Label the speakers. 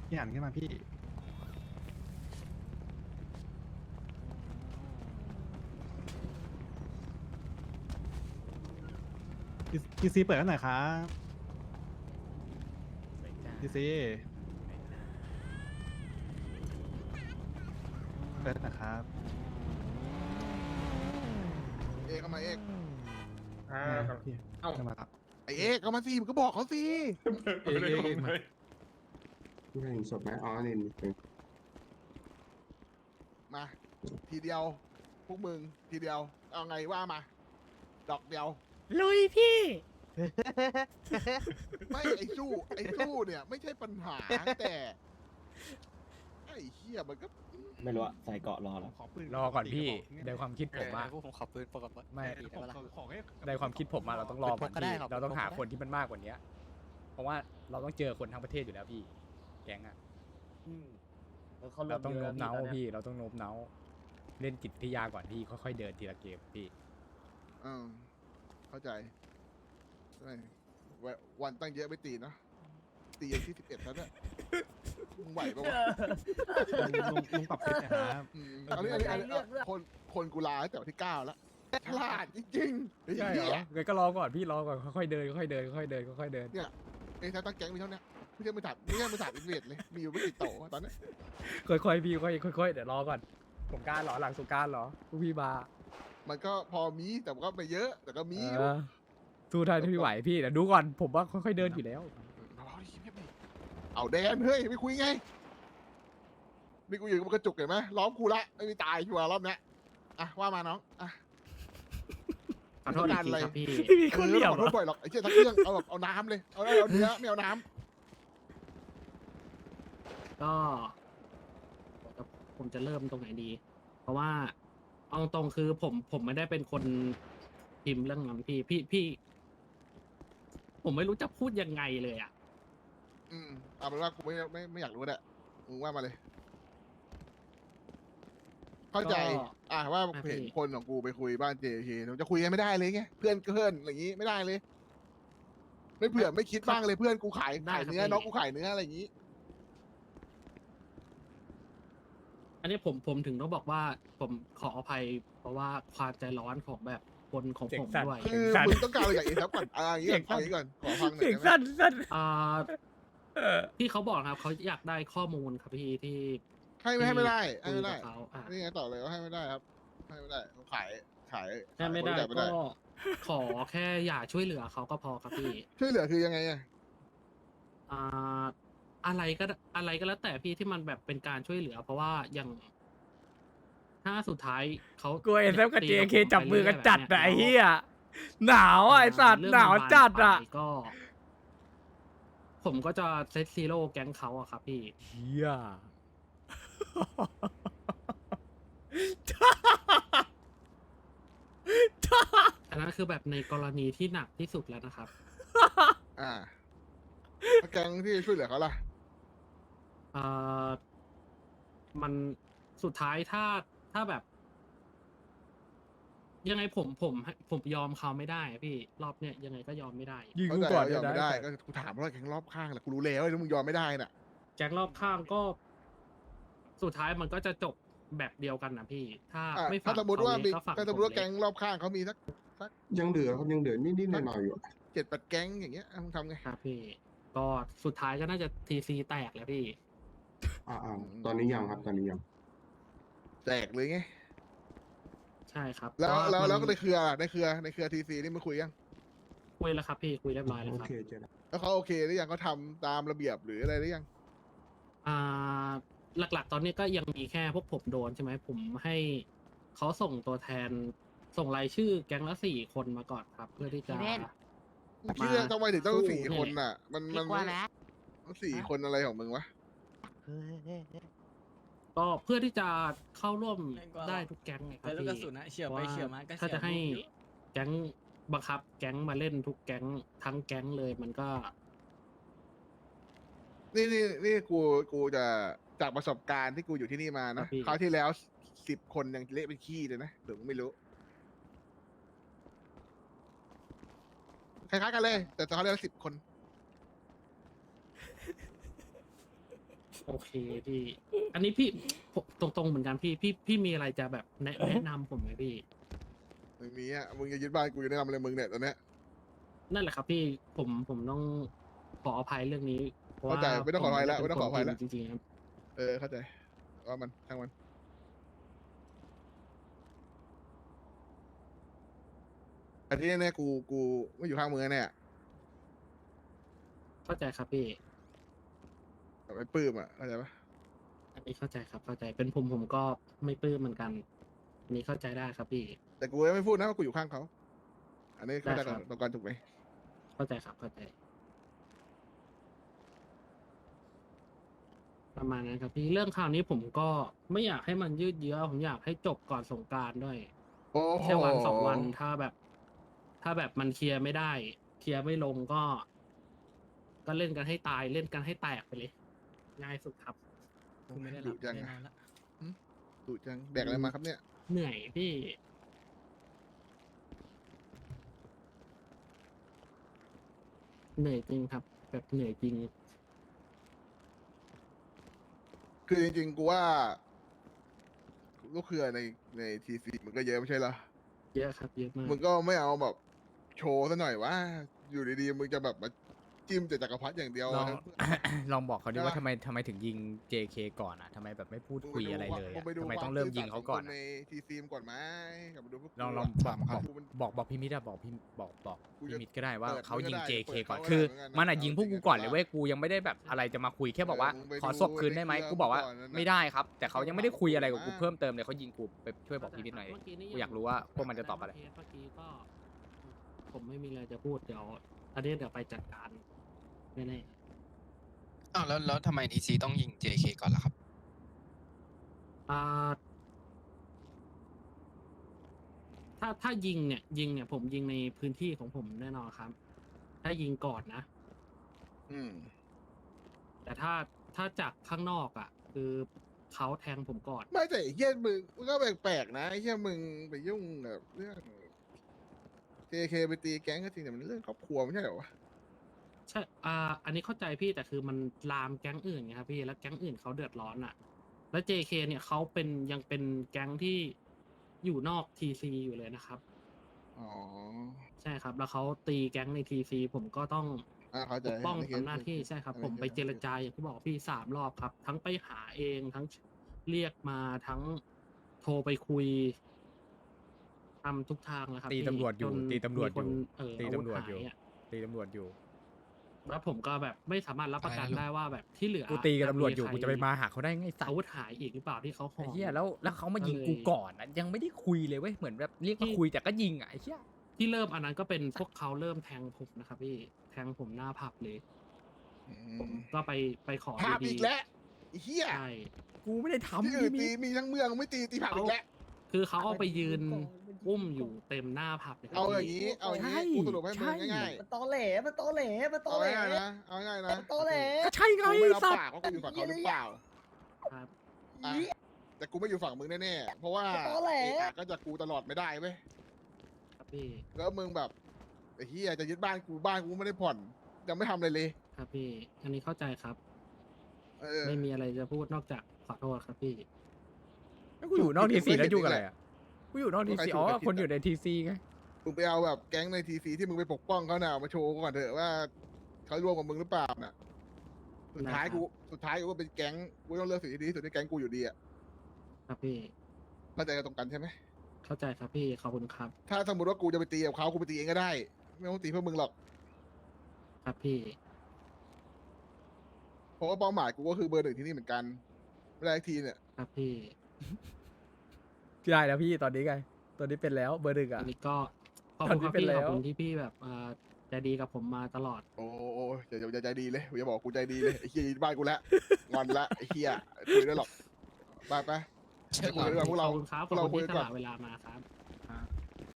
Speaker 1: พี่หันขึ้นมาพี่ทีซีเปิดกันหน่อยครับทีซีเปิดนะครับ
Speaker 2: เอกเอามาเอก
Speaker 1: พี่
Speaker 3: เอ้า
Speaker 1: ขึ้นมาครับ
Speaker 2: ไอเอกเอามาสิมึงก็บอกเขาสิ
Speaker 1: เอกมา
Speaker 4: ไม่เห็นศพไหมอ๋อนี่
Speaker 2: มาทีเดียวพวกมึงทีเดียวเอาไงว่ามา ดอกเดียว
Speaker 5: ลุยพี่
Speaker 2: ไม่ไอ้สู้เนี่ยไม่ใช่ปัญหาแต่ไอ้เหี้ยมันก็
Speaker 6: ไม่รู้อะใส่เกาะรอแล้ว
Speaker 1: ขอปืน
Speaker 5: รอก่อนพี่ในความคิดผมอะ
Speaker 7: พวกผมขับปืนปกติ
Speaker 5: ไม่
Speaker 1: ขอให้
Speaker 5: ในความคิดผมอะเราต้องรอก่อน
Speaker 7: ก็ได้
Speaker 5: พี่
Speaker 7: ครับ
Speaker 5: เราต้องหา
Speaker 7: ผมก็ได้
Speaker 5: คนที่มันมากกว่านี้เพราะว่าเราต้องเจอคนทั้งประเทศอยู่แล้วพี่ แก๊งอะ
Speaker 6: แล้วเขา
Speaker 5: เราต้อง
Speaker 6: เย
Speaker 5: โน้
Speaker 6: อะ
Speaker 5: มน้าว
Speaker 6: ตอนเนี้ย
Speaker 5: พี่เราต้องโน้มน้าวเล่นจิตวิทยาก่อนพี่ค่อยๆเดินทีละเกมพี่
Speaker 2: เข้าใจไม่วันตั้งเยอะไม่ตีนะตีอย่างที่11แล้วเนี่ยมึงไหวปะวะ
Speaker 1: ลุงปรับเซตนะครับ
Speaker 2: อันนี้คนกูลาตั้งแต่วันที่9แล้วฉลาดจริงๆไอ้
Speaker 5: ใช่เหร
Speaker 2: เหี้
Speaker 5: อย งั้นก็รอก่อนพี่รอก่อนค่อยๆเดินค่อยๆเดินค่อยๆเดินค่อยๆเดิน
Speaker 2: ไอ้ตั้งแก๊งมีเท่านี้ไม่ใช่มือถามอินเวดเลยมีอยู่ไม่กี่โตะตอนนี้
Speaker 5: ค่อยๆพี่ค่อยๆเดี๋ยวรอก่อนสงกรานต์เหรอหลังสงกรานต์เหรอพวกพี่มา
Speaker 2: มันก็พอมีแต่ก็ไม่เยอะแต่ก็มีอยู่
Speaker 5: สู้ได้ที่ไหวพี่เดี๋ยวดูก่อนผมว่าค่อยๆเดินอยู่แล้ว
Speaker 2: เอาดิเงียบดิเอาแดนเฮ้ยไม่คุยไงนี่กูอยู่กับกระจุกเห็นไหมล้อมกูละไม่มีตายชัวร์รอบเนี้ยอ่ะว่ามาน้องอ่ะ
Speaker 8: ขอโทษอีกทีครับพี่
Speaker 5: ไม่มีคนเหลี่ยม
Speaker 2: ขอโทษบ่อยหรอกไอ้เชี่ยทั้งเรื่องเอาแบบเอาน้ำเลยเอาเนื้อไม่เอาน้
Speaker 8: ก็ผมจะเริ่มตรงไหนดี เพราะว่าเอาตรงคือผมไม่ได้เป็นคนพิมพ์เรื่องนั้นพี่ ผมไม่รู้จะพูดยังไงเลยอ่ะ
Speaker 2: ำเอาเป็นว่ากูไม่อยากรู้แหละมึงว่ามาเลย เข้าใจ
Speaker 8: ก็
Speaker 2: ว่า
Speaker 8: อ่ะ
Speaker 2: เห็น
Speaker 8: พี่
Speaker 2: คนของกูไปคุยบ้าน JK จะคุยกันไม่ได้เลยไงเพื่อนอย่างนี้ไม่ได้เลย ไม่เผื่อไม่คิดบ้างเลยเพื่อนกูขายเนื้อน้องกูขายเนื้ออะไรอย่างนี้
Speaker 8: อันนี้ผมถึงต้องบอกว่าผมขออภัย เพราะว่าความใจร้อนของแบบคนของผมด้วย
Speaker 2: คือมึงต้องการอะไรจากเอทับก่อนอย่างนี้ก่อนเอาอย่างนี้ก่อนขอฟังหน่อย
Speaker 5: เสียง
Speaker 2: ได้ไหม
Speaker 5: สั้น
Speaker 8: อ่าที่เขาบอกครับเขาอยากได้ข้อมูลครับพี่ที่
Speaker 2: ให้ไม่ได้
Speaker 8: คุย
Speaker 2: ไม่ได้
Speaker 8: กับเขาอ่ะ
Speaker 2: นี่ไงต่อเลยว่าให้ไม่ได้ครับให้ไม่ได้เขาขาย
Speaker 8: ถ้าไม่ได้
Speaker 2: บริจาค
Speaker 8: ก็ขอแค่อย่าช่วยเหลือเขาก็พอครับพี่
Speaker 2: ช่วยเหลือคือยังไงอะ
Speaker 8: อ่าอะไรก็แล้วแต่พี่ที่มันแบบเป็นการช่วยเหลือ เพราะว่าอย่างถ้าสุดท้ายเขา
Speaker 5: ๆกลัวเอ็นเอฟกับ
Speaker 8: ตี
Speaker 5: JK
Speaker 8: ผม
Speaker 5: จับมือกันจัด
Speaker 8: ไป
Speaker 5: อะไอ้
Speaker 8: เรื่
Speaker 5: เหี้
Speaker 8: อย
Speaker 5: ยหนาวอ่ะไอ้สัตว์
Speaker 8: เรื่อง
Speaker 5: หนาว
Speaker 8: มันบาน
Speaker 5: จัดอ่ะ
Speaker 8: ปลายก็ ผมก็จะเซตซีโร่แก๊งเขาอะครับพี่
Speaker 5: เหี้ย
Speaker 8: อันนั้นคือแบบในกรณีที่หนักที่สุดแล้วนะครับ
Speaker 2: แก๊งที่ช่วยเหลือเขาล่ะ
Speaker 8: เอ่อมันสุดท้ายถ้าแบบ ยังไงผมยอมเขาไม่ได้อะพี่รอบเนี้ยยังไงก็ยอมไม่ได้
Speaker 5: ยิง
Speaker 2: เข้า
Speaker 5: กู
Speaker 2: ใจ
Speaker 5: ก่อน
Speaker 2: ว่ายอมไม่ได้
Speaker 5: ได้
Speaker 2: ก็กูถามว่าแก๊งรอบข้างแหละกูรู้แล้วว่ามึงยอมไม่ได้น่ะ
Speaker 8: แก๊งรอบข้างก็ สุดท้ายมันก็จะจบแบบเดียวกันนะพี่ ถ้าไม่ฝั่
Speaker 2: ถ้าง สมมติว่า
Speaker 8: เข
Speaker 2: มี
Speaker 8: เล็กก็ฝั่ง
Speaker 2: ถ้าสมม
Speaker 8: ผ
Speaker 2: ติ
Speaker 8: ม
Speaker 2: ว่า
Speaker 8: เล็
Speaker 2: แก๊งรอบข้างเขามีสัก
Speaker 4: ยังเหลือครับยังเหลือนิดๆหน่อยๆอยู่
Speaker 2: 7-8 แก๊งอย่างเงี้ยมึงทำไง
Speaker 8: ครับพี่ ก็สุดท้ายก็น่าจะทีซีแตกแหล้วพี่
Speaker 4: ตอนนี้ยังครับตอนนี้ยัง
Speaker 2: แตกเลยไง
Speaker 8: ใช่ครับ
Speaker 2: แล้ว
Speaker 8: เพราะา
Speaker 2: แล้ว
Speaker 8: มัน
Speaker 2: ในเครือทีซีนี่มาคุยยัง
Speaker 8: คุยแล้วครับพี่คุยเรียบร้อยแล้ว
Speaker 4: โอ
Speaker 8: ครับ
Speaker 4: เคเจอแล้ว
Speaker 2: แล้วเขาโอเคหรือยังเขาทำตามระเบียบหรืออะไรหรือยัง
Speaker 8: อ่าหลักๆ ตอนนี้ก็ยังมีแค่พวกผมโดนใช่ไหมผมให้เขาส่งตัวแทนส่งรายชื่อแก๊งละ4 คนมาก่อนครับ เพื่อที่จะ
Speaker 9: พี่เล่น
Speaker 2: คิดว่าทำไมถึงต้อง
Speaker 8: สู้
Speaker 2: 4 คนน่ะ มัน
Speaker 9: พี่กลัวนะ
Speaker 2: 4 คนอะไรของมึงวะ
Speaker 8: ก็เพื่อที่จะเข้าร่วมได้ทุกแก๊งไงครับ
Speaker 7: แต่ลูกกระ
Speaker 8: พี่
Speaker 7: สุนนะเฉียวไปเฉียวมาก็
Speaker 8: ถ้าจะให้
Speaker 7: เฉียวลูกอยู่
Speaker 8: แก๊งบังคับ แก๊งมาเล่นทุกแก๊งทั้งแก๊งเลยมันก็
Speaker 2: นี่กูจะจากประสบการณ์ที่กูอยู่ที่นี่มา
Speaker 8: ครั
Speaker 2: นะ
Speaker 8: บพี่
Speaker 2: คราวที่แล้ว10 คนยังเละเป็นขี้เลยนะหรือมึงไม่รู้คล้ายๆกันเลย แต่คราวที่แล้ว10 คน
Speaker 8: โอเคพี่ อันนี้พี่ผมตรงๆเหมือนกันพี่มีอะไรจะแบบแนะนำผมไหมพี่
Speaker 2: ไม่มีอ่ะมึงจะยึดบ้านกูจะแนะนำอะไรมึงเนี่ยตอนเนี้ย
Speaker 8: นั่นแหละครับพี่ผมต้องขออภัยเรื่องนี้เพราะว่า
Speaker 2: เข้าใจไม่ต้องขออภัยแล้ว
Speaker 8: ผ
Speaker 2: ไม่ต้องขออภัยแล้ว
Speaker 8: จริงๆครับ
Speaker 2: เข้าใจว่ามันช่างมันอันที่แน่ๆกูไม่อยู่ข้างมึงแน่
Speaker 8: เข้าใจครับพี่
Speaker 2: แบบไอ้ปื้มอ่ะเข้าใจปะ
Speaker 8: อันนี้เข้าใจครับเข้าใจเป็นผมก็ไม่ปลื้มเหมือนกันอันนี้เข้าใจได้ครับพี่
Speaker 2: แต่กูยังไม่พูดนะว่ากูอยู่ข้างเขาอันนี้เข้าใจ
Speaker 8: ได้
Speaker 2: กั
Speaker 8: ครับ
Speaker 2: นตรงกันถูกไหม
Speaker 8: เข้าใจครับเข้าใจ ประมาณนั้นครับพี่เรื่องข่าวนี้ผมก็ไม่อยากให้มันยืดเยื้อผมอยากให้จบก่อนสงกรานต์ด้วย
Speaker 2: โอ้โห
Speaker 8: แค่วันสองวันถ้าแบบมันเคลียร์ไม่ได้ เคลียร์ไม่ลงก็เล่นกันให้ตายเล่นกันให้แตกไปเลย ง่ายสุดครับ
Speaker 7: กูไม่ได้หลั
Speaker 2: ดุ
Speaker 7: บ
Speaker 2: จัง
Speaker 7: ไม่ได้
Speaker 2: อะ
Speaker 7: นอนละ
Speaker 2: ดุจังแดกอะไรมาครับเนี่ย
Speaker 8: เหนื่อยพี่ เหนื่อยจริงครับ แบบเหนื่อยจริง
Speaker 2: คือจริงๆกูว่าลูกเครือในทีซีมันก็เยอะไม่ใช่เหรอ
Speaker 8: เยอะครับเยอะมาก
Speaker 2: มึงก็ไม่เอาแบบโชว์ซะหน่อยว่า อยู่ดีๆมึงจะแบบมาจิ้มแต่จักรพรรดิอย่างเดียว
Speaker 5: ลอง
Speaker 2: ทั้ง
Speaker 5: ลองบอกเขาดิ
Speaker 2: ใช่
Speaker 5: ว่า
Speaker 2: ปะ
Speaker 5: ทำไมถึงยิง JK ก่อนอ่ะทำไมแบบไม่พูด
Speaker 2: มึง
Speaker 5: คุย
Speaker 2: ปดู
Speaker 5: อะไรเลย
Speaker 2: มึ
Speaker 5: อะ
Speaker 2: งปดู
Speaker 5: ทำไม
Speaker 2: ควา
Speaker 5: ต้องเริ่ม
Speaker 2: ซื่
Speaker 5: ยิงเขาก่อน
Speaker 2: สัตย์ข
Speaker 5: อะ
Speaker 2: ในทีซีมก่อนไหมกลับมาดูพวกกู
Speaker 5: ลอง บอกพี่มิตรอะบอกพี่มิตรก็ได้ว่า
Speaker 2: เปิด
Speaker 5: เขายิง
Speaker 2: ก็ได้
Speaker 5: JK
Speaker 2: เปิด
Speaker 5: ก่อน
Speaker 2: เขาก็
Speaker 5: คือ
Speaker 2: ได้เหมือนกันนะ
Speaker 5: มันอะยิงพวกกูก่อนเลย
Speaker 2: เอาจริงๆ
Speaker 5: เว้ยกูยังไม่ได้แบบอะไรจะมาคุยแค่บอกว่า
Speaker 2: มึงไป
Speaker 5: ขอ
Speaker 2: ดู
Speaker 5: ศพคืนได้ไหม
Speaker 2: ในเครื่อง
Speaker 5: กูบอกว่า
Speaker 2: ก่อนนั่นน่ะ
Speaker 5: ไม่ได้ครับ แต่เขายังไม่ได้คุยอะไรกับกู
Speaker 2: มา
Speaker 5: เพิ่มเติมเลยเขายิงกูไปช่วยบอกพี่มิตรหน่อย
Speaker 8: เมื่อกี้นี่
Speaker 5: กูอยากรู้ว่าพวกมันจะตอบอะไร
Speaker 8: เมื่อกี้ก็ ผมไม่มีอะไรจะพูดเดี๋ยวอันนี้เดี๋ยวไปจัดการแน่
Speaker 7: อ้าวแล้วทำไมทีซีต้องยิง JK ก่อนล่ะครับ
Speaker 8: ๆถ้ายิงเนี่ยผมยิงในพื้นที่ของผมแน่นอนครับ ถ้ายิงก่อนนะ
Speaker 2: อืม
Speaker 8: แต่ถ้าจากข้างนอกอ่ะ คือเขาแทงผมก่อน
Speaker 2: ไม่แต่ไอ้เฮียมึงก็แปลกๆนะไอ้เฮียมึงไปยุ่งกับเรื่อง JK ไปตีแก๊งก็จริงแต่มันเรื่องครอบครัวไม่ใช่เหรอวะ
Speaker 8: ใช่อันนี้เข้าใจพี่แต่คือมันลามแก๊งอื่นไงครับพี่แล้วแก๊งอื่นเขาเดือดร้อนอ่ะ แล้ว JK เนี่ยเขายังเป็นแก๊งที่อยู่นอก TC อยู่เลยนะครับ
Speaker 2: อ๋อ
Speaker 8: ใช่ครับ แล้วเขาตีแก๊งใน TC ผมก็ต้อง
Speaker 2: เข้าใจ
Speaker 8: ปกป้อง
Speaker 2: ในเคส
Speaker 8: ทำหน้าที่ใช่ครับ
Speaker 2: ใน
Speaker 8: ผมไป
Speaker 2: เคส
Speaker 8: เจรจาอย่างที่บอกพี่3 รอบครับ ทั้งไปหาเองทั้งเรียกมาทั้งโทรไปคุยทำทุกทางแล้วครับ
Speaker 5: ตี
Speaker 8: พี่
Speaker 5: ตำรวจอยู่
Speaker 8: จน
Speaker 5: ตีตำรวจ
Speaker 8: มีคน
Speaker 5: อยู่ตี
Speaker 8: อาวุธ
Speaker 5: ตำรวจอยู่
Speaker 8: หายอะ
Speaker 5: ตีตำรวจอยู่
Speaker 8: แล้วผมก็แบบไม่สามารถรับประกัน
Speaker 7: อะไรนะ
Speaker 8: ได้ว่าแบบที่เหลือ
Speaker 5: กูตีกับตำรวจอยู่
Speaker 8: ใค
Speaker 5: กูจะไปมาหาเขาได้ไงสัต
Speaker 8: อา
Speaker 5: ว์
Speaker 8: วุธหายอีกหรือเปล่าที่เขาห่
Speaker 5: ไอ้
Speaker 8: อ
Speaker 5: เหี้ยแล้วเขามายิง
Speaker 8: ก็เลย
Speaker 5: กูก่อนนะยังไม่ได้คุยเลยเว้ยเหมือนแบบเรียกมาคุยแต่ก็ยิงอะไอ้เหี้ย
Speaker 8: ที่เริ่มอันนั้นก็เป็นพวกเขาเริ่มแทงผมนะครับพี่แทงผมหน้าผับเลย
Speaker 2: อื
Speaker 8: ผม
Speaker 2: ม
Speaker 8: ก็ไปขอ
Speaker 2: ภาพ
Speaker 8: ดี
Speaker 2: อีกแล้วไอ้เฮีย
Speaker 8: ใช่
Speaker 5: กูไม่ได้ทำ
Speaker 2: ที่อื่น
Speaker 5: พี่
Speaker 2: ตี
Speaker 5: มิตร
Speaker 2: มีทั้งเมืองไม่ตีภาพอีกแล้ว
Speaker 8: คือเขาเอาไปยืนอุ้มอยู่เต็มหน้าผับเลยครับ
Speaker 2: เอาอย่าง
Speaker 8: พี่
Speaker 2: นี้เอาอย่างนี้กูสรุปให้มึงง่าย
Speaker 3: มันตอแหลมันตอแหลมัน
Speaker 2: ๆ
Speaker 3: ตอ
Speaker 2: เอา
Speaker 3: แหล
Speaker 2: ง่ายๆนะเอาง่ายๆนะ
Speaker 3: มันตอแหล
Speaker 5: ก็ใช่ไง
Speaker 2: กูไม่รับ
Speaker 5: สัตว์
Speaker 2: ปากว่ากูอยู่ฝั่งเขาหรือเปล่า
Speaker 8: ครับ
Speaker 2: อ่ะแต่กูไม่อยู่ฝั่งมึงแน่ๆเพราะว่า
Speaker 3: ตอแหล
Speaker 2: เอะอะก็จะกูตลอดไม่ได้เว้ย
Speaker 8: ครับพี่
Speaker 2: แล้วมึงแบบไอ้เฮียจะยึดบ้านกูไม่ได้ผ่อนยังไม่ทำอะไรเลย
Speaker 8: ครับพี่ อันนี้เข้าใจครับ
Speaker 2: เออ
Speaker 8: ไม่มีอะไรจะพูดนอกจากขอโทษครับพี่
Speaker 5: แล้วกูอยู่นอกทีซีแล้วยุ่งอะไรอ่ะกูอยู่นอกทีซีอ๋อ
Speaker 2: ใครถูกใครผิด
Speaker 5: คนอยู่ในทีซีไง
Speaker 2: มึงไปเอาแบบแก๊งในทีซีที่มึงไปปกป้องเขาน่ะมาโชว์ก่อนเถอะว่าเขาร่วมกับมึงหรือเปล่าน่ะสุดท้าย
Speaker 8: นะครับ
Speaker 2: กูก็เป็นแก๊งกูต้องเลือกสิ่งที่ดีที่สุดในแก๊งกูอยู่ดีอ่ะ
Speaker 8: ครับพี่
Speaker 2: เข้าใจกันตรงกันใช่ไหม
Speaker 8: เข้าใจครับพี่ขอบคุณครับ
Speaker 2: ถ้าสมมติว่ากูจะไปตีกับเขากูไปตีเองก็ได้ ไม่ต้องตีเพื่อมึงหรอก
Speaker 8: ครับพี่
Speaker 2: เพราะว่าเป้าหมายกูก็คือเบอร์หนึ่งที่นี่เหมือนกันไม่ได้ทีเนี่ย
Speaker 8: ครับพี่
Speaker 5: ได้แล้วพี่ตอนนี้ไงตอนนี้เป็นแล้วเบอร์หนึ่ง
Speaker 8: อั
Speaker 5: อ่ะ
Speaker 8: นนี้ก็ขอบคุณครับ
Speaker 5: ตอนนี้เป็น
Speaker 8: พี่
Speaker 5: แล้
Speaker 8: ข
Speaker 5: ว
Speaker 8: อบคุณที่พี่แบบใจดีกับผมมาตลอด
Speaker 2: โอ้อย่าใจดีเลยอย่าบอกกูใจดีเลยไอ้เฮียยึดบ้านกูแล้วงอนละไอ้เฮียคุยได้หรอกไป
Speaker 7: เชิญ
Speaker 2: คุยดีกว่าพวกเรา
Speaker 8: ขอบคุณครับ
Speaker 2: พวกเรา
Speaker 8: ขอบ
Speaker 2: คุ
Speaker 8: คุ
Speaker 2: ย
Speaker 8: ณ
Speaker 2: กัน
Speaker 8: ที่ส
Speaker 2: ก่อน
Speaker 8: ละเวลามาครับ